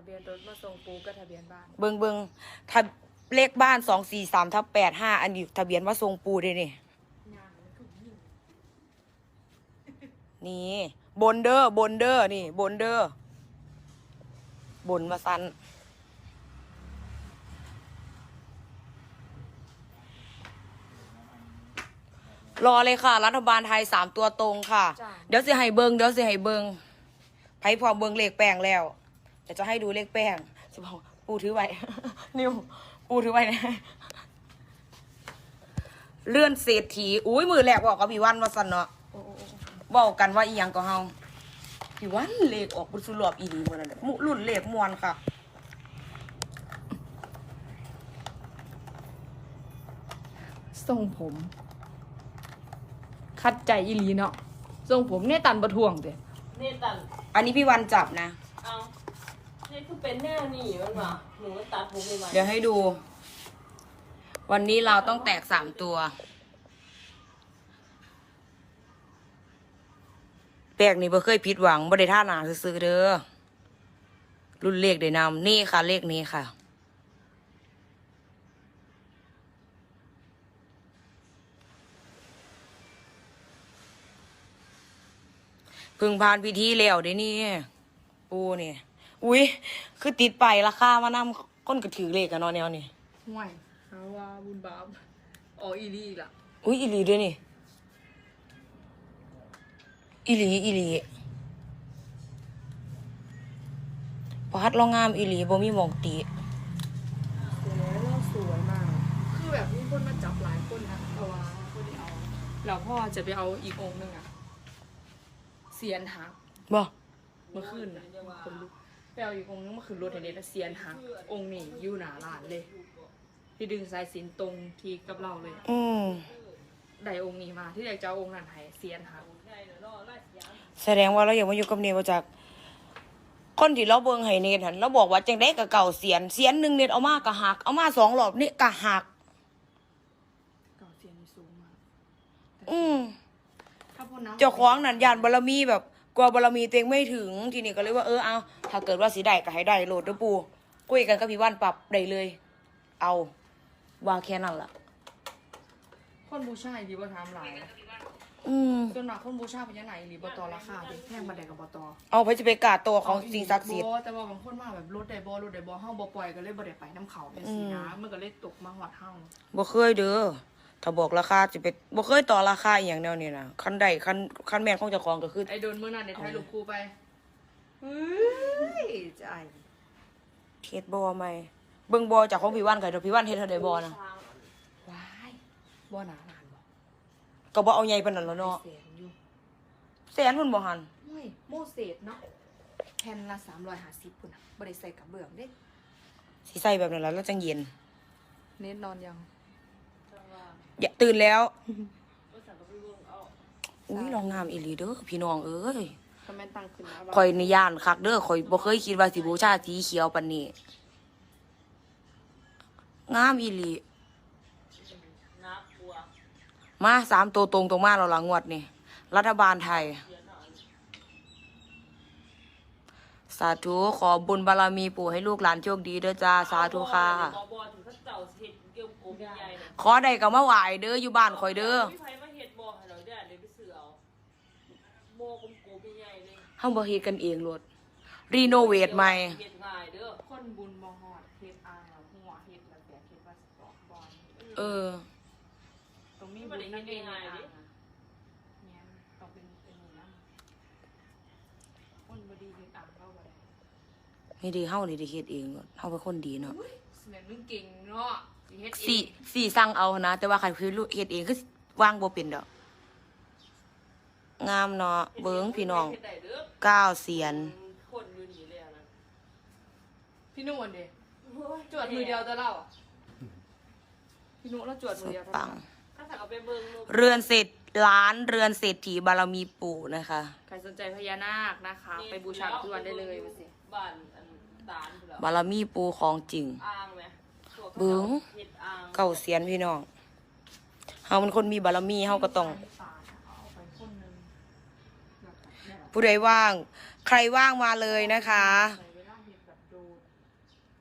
บียนรถมาส่งปูก็ทะเบียนบ้านเบิงทะเลขบ้าน243/85อันนี้ทะเบียนว่าทรงปูด้วยนี่นี่บนเดอร์นี่บนเดอร์บนมาสันรอเลยค่ะรัฐบาลไทย3 ตัวตรงค่ะเดี๋ยวสิให้เบิงไพ่พอเบิงเลขแป้งแล้วเดี๋ยวจะให้ดูเลขแป้งจะบอกปูถือไว้ นิวปูถือไว้นะเลื่อนเศรษฐีอุ้ยมือแหลกบอกกับพี่วันมาสันเนาะบอกกันว่าอีหยังก็เฮาพี่วันเลขออกบุญสุรอบอีดีเหมือนนั่นรุ่นเลขมวนค่ะทรงผมคัดใจอีหลีเนาะทรงผมเนี่ยตันประท้วงเด้เนี่ยตันอันนี้พี่วันจับนะเอาเนี่ยคือเป็นแน่นี่มันว่ะหนูตัดผมไปไหมเดี๋ยวให้ดูวันนี้เราต้องแตก3 ตัวแปลกนี่บ่เคยผิดหวังบ่ได้ท่าหนาซื้อเด้อรุ่นเลขได้นำนี่ค่ะเลขนี้ค่ะพึ่งผ่านพิธีแล้วเด้นี่ปูนี่อุ้ยคือติดไปราคามานำก้นกระถือเลขกันเนาะแนวนี่ห่วยหาว่าบุญบาปอ๋ออีหลีล่ะอุ้ยอีหลีด้วยนี่อีหลีปัดเรางามอีหลีบ่มีหมองตีสวยมากคือแบบมีคนมาจับหลายคนนะเพราะว่าคนที่เอาแล้วพ่อจะไปเอาอีกองค์นึงอะเสียนหักบ่เมื่อคืนน่ะคนลุกไปเอาอีกองค์นึงเมื่อคืนรถเห็นเสียนหักองค์นี้อยู่หน้าร้านเลยที่ดึงสายสิญจนตรงที่กับเราเลยได้องค์นี้มาที่อยากจะเอาองค์นั้นให้เสียนหักแสดงว่าเราอยากมาอยู่กับเนมาจากคนที่เราเบิ่งให้เนทหันเราบอกว่าจังได้กับเก่าเสียนหนึ่งเนทเอามากะหักเอามา2 รอบนี่กะหักเก่าเสียนสูงมากเจ้าของนั่นยานบารมีแบบกลัวบารมีตัวเองไม่ถึงทีนี้ก็เลยว่าเอาถ้าเกิดว่าสิได้ก็ให้ได้โหลดเด้อปู่คุยกันกับพี่วันปรับได้เลยเอาว่าแค่นั้นล่ะคนบูชาดีบ่ทำหลายส่วนมากคนบูชาเป็นยังไงหรือบตราคาเด็กแพงมาได้กับบตเอาไปจะไปกาตัวของสิ่งศักดิ์สิทธิ์แต่ว่าบางคนมาแบบรถได้บ่ห้องบ่ปล่อยก็เลยบ่ได้ไปน้ำเขาเป็นสีน้ำมันก็เลยตกมาหอดห้องบ่เคยเด้อถ้าบอกราคาจะไปบ่เคยต่อราคาอย่างแนวนี้นะคันใดคันแม่นของเจ้าของก็คือไอ้โดนมื้อนั้นในไทยลูกครูไปใจเฮ็ดบ่ใหม่เบิ่งบ่จากของพี่วันก็พี่วันเฮ็ดเท่าใดบ่นะว้ายบ่หนาลานบ่ก็บ่เอาใหญ่ปานนั้นแล้วเนาะแสนพุ่นบ่หั่นโอ้ยโมเสสเนาะแผ่นละ350พุ่นน่ะบ่ได้ใส่กับเบื้องเด้สิใส่แบบนั้นแล้วจังเย็นเน็ตนอนยังอย่าตื่นแล้วอุ้ยลองงามอีหลีเด้อพี่น้องเอ้ยข่อยนี่ย่านคักเด้อข่อยบ่เคยคิดว่าสิบูชาสีเขียวปานนี้งามอีหลีมา3 ตัวตรงมาแล้วล่ะงวดนี่รัฐบาลไทยสาธุขอบุญบารมีปู่ให้ลูกหลานโชคดีเด้อจ้าสาธุค่ะขอได้ก็มาไหวเด้ออยู่บ้านข่อยเด้อเฮาบ่เฮ็ดกันเองโลดรีโนเวทใหม่คนบุญบ่ฮอดเฮ็ดอ่างแล้วหัวเฮ็ดแล้วแต่เฮ็ดว่าสิบอกก่อนตรงนี้บุญนั่นเองง่ายดิเนี่ยต้องเป็นนี่นำคนบ่ดีเฮ็ดอ่างเฮาบ่ได้ไม่ดีเฮานี่ได้เฮ็ดเองเฮาเป็นคนดีเนาะแม่มึงเก่งเนาะเฮ็ดเองสี่สั่งเอานะแต่ว่าคันคือเฮ็ดเองคือวางบ่เป็นดอกงามเนาะเบิ่งพี่น้อง9 เสียนคนอยู่นี่เลยนะพี่นุ่นดิจวดมือเดียวจะเล่าพี่นุ่นแล้วจวดมือเดียวปังถ้าสั่งเอาไปเบิ่งเรือนเศรษฐล้านเรือนเศรษฐีบารมีปู่นะคะใครสนใจพญานาคนะคะไปบูชาทุกวันได้เลยมาสิบ้านตาลบารมีปู่ของจริงเบิ่ง9 เสียนพี่น้องเฮาเป็นคนมีบารมีเฮาก็ต้องผู้ใดว่างใครว่างมาเลยนะคะ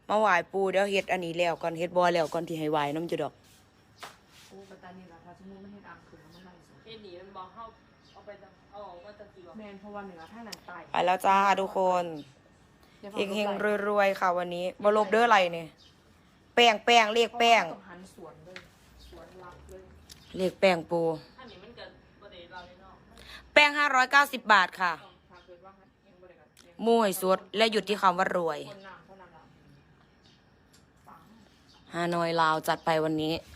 มาไหว้ปูเดี๋ยวเฮ็ดอันนี้แล้วก่อนเฮ็ดบ่แล้วก่อนที่ให้ไหว้น้ำจุดอกโอ้ปัตตานีล่ะถ้าสมมุติมันเฮ็ดอ่างขึ้นแล้วมันไล่สดเฮ็ดหนีมันบอกเข้าเอาไปเอาออกมาจากกี่วะแม่นเพราะว่าเหนือทางนั้นใต้ไปแล้วจ้าทุกคนเฮงๆรวยๆค่ะวันนี้บ่ลบเด้ออะไรเนี่ยแป้งเลขแป้งต้องหันสวนเลยสวนหลักเลยเลขแป้งปูอันนี้มันเกิดประเดี๋ยวเราเลยเนาะแป้ง590 บาทค่ะต้องทางเกิดว่ายังบ่ได้กันยังมู่ให้สุดและหยุดที่คำว่ารวยคนน้ำเท่านั้นล่ะปังฮานอยลาวจัดไปวันนี้เ